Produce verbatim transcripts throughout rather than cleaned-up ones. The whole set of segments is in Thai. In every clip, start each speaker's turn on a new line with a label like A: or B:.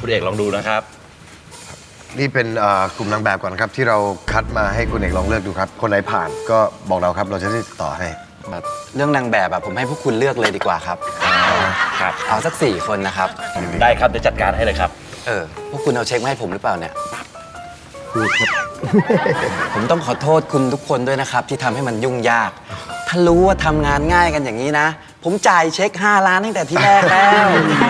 A: คุณเอกลองดูนะครับ
B: นี่เป็นกลุ่มนางแบบก่อนครับที่เราคัดมาให้คุณเอกลองเลือกดูครับคนไหนผ่านก็บอกเราครับเราจะได้ติดต่อให้
C: เรื่องนางแบบอะผมให้พวกคุณเลือกเลยดีกว่าครับ
A: ครับ
C: เอาสักสี่คนนะครับ
A: ได้ครับเดี๋ยวจัดการให้เลยครับ
C: เออพวกคุณเอาเช็คมาให้ผมหรือเปล่าเนี่ยผมต้องขอโทษคุณทุกคนด้วยนะครับที่ทำให้มันยุ่งยากถ้ารู้ว่าทำงานง่ายกันอย่างนี้นะผมจ่ายเช็คห้าล้านตั้งแต่ที่แรกแล้ว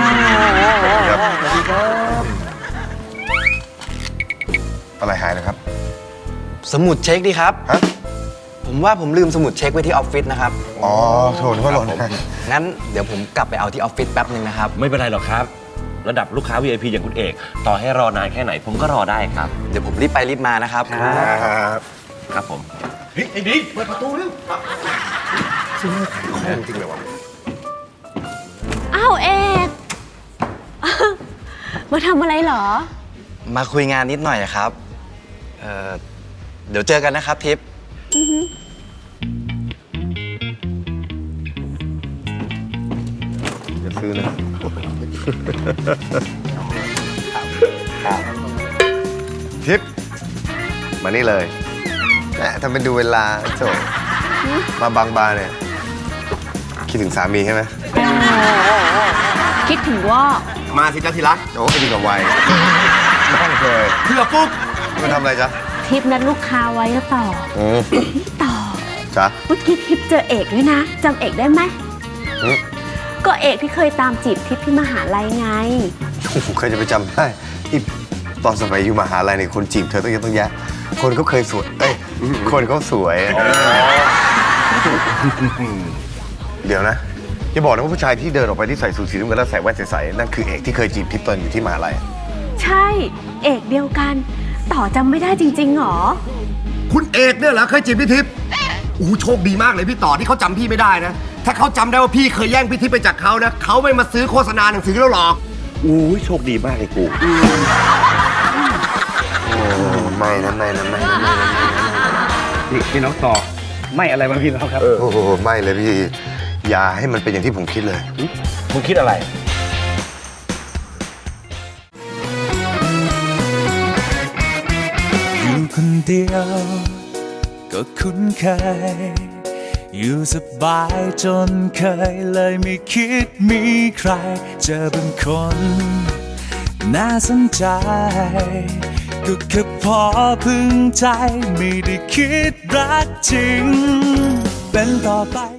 B: อะไรหายนะครับ
C: สมุดเช็คดีครับ
B: ฮะ
C: ผมว่าผมลืมสมุดเช็คไว้ที่ออฟฟิศนะครับ
B: อ๋อโทษว่าหล่น
C: งั้นเดี๋ยวผมกลับไปเอาที่ออฟฟิศแป๊บนึงนะครับ
A: ไม่เป็นไรหรอกครับระดับลูกค้า วี ไอ พี อย่างคุณเอกต่อให้รอนานแค่ไหนผมก็รอได้ครับ
C: เดี๋ยวผมรีบไปรีบมานะครับ
B: ครับ
A: ครับผม
B: เฮ้ยไอ้ดิเปิดประตูเร็วซึ่งของจริงเลยวะ
D: อ้าวเอกมาทำอะไรเหรอ
C: มาคุยงานนิดหน่อยครับเอ่อเดี๋ยวเจอกันนะครับทิพย์
B: อย่าซื้อนะทิพย์มานี่เลยแหมทำเป็นดูเวลาโจมาบางบาเนี่ยคิดถึงสามีใช่ไหม
D: คิดถึงว่า
B: มาสิจ้าทีรักโอ้ยดีกับวัยนั่งเลยเพื่อปุ๊บมาทำอะไรจ๊ะ
D: ทิปนัดลูกค้าไว้ก็ต่อต่อ
B: จ๊ะ
D: เมื่อกี้ทิปเจอเอกด้วยนะจำเอกได้ไหมก็เอกที่เคยตามจีบทิปที่มหาลัยไง
B: โอ้โหเคยจะไปจำได้ที่ตอนสมัยอยู่มหาลัยเนี่ยคนจีบเธอต้องเยอะต้องแยะคนเขาเคยสวยเอ้ยคนเขาสวยเดี๋ยวนะอย่าบอกนะว่าผู้ชายที่เดินออกไปที่ใส่สูทสีน้ำเงินแล้วใส่แว่นใสๆนั่นคือเอกที่เคยจีบทิปตอนอยู่ที่มหาลัย
D: ใช่เอกเดียวกันต่อจำไม่ได้จริงๆหรอ
B: คุณเอกเนี่ยเหรอเคยจีบพี่ทิพย์โอ้โชคดีมากเลยพี่ต่อที่เขาจำพี่ไม่ได้นะถ้าเขาจำได้ว่าพี่เคยแย่งพี่ทิพย์ไปจากเขานะเขาไม่มาซื้อโฆษณาหนังสือแล้วหรอก
A: อู้โชคดีมากเลยกู
B: โอ้ไม่นะไม่นะไม่นะไม่นะ
E: นี่พี่น้องต่อไม่อะไรบ้างพี่น้องครับ
B: โอ้โหไม่เลยพี่อย่าให้มันเป็นอย่างที่ผมคิดเลย
A: มึงคิดอะไร
F: อยู่คนเดียวก็คุ้นเคยอยู่สบายจนเคยเลยไม่คิดมีใครเจอเป็นคนน่าสนใจก็แค่พอพึงใจไม่ได้คิดรักจริงเป็นต่อไป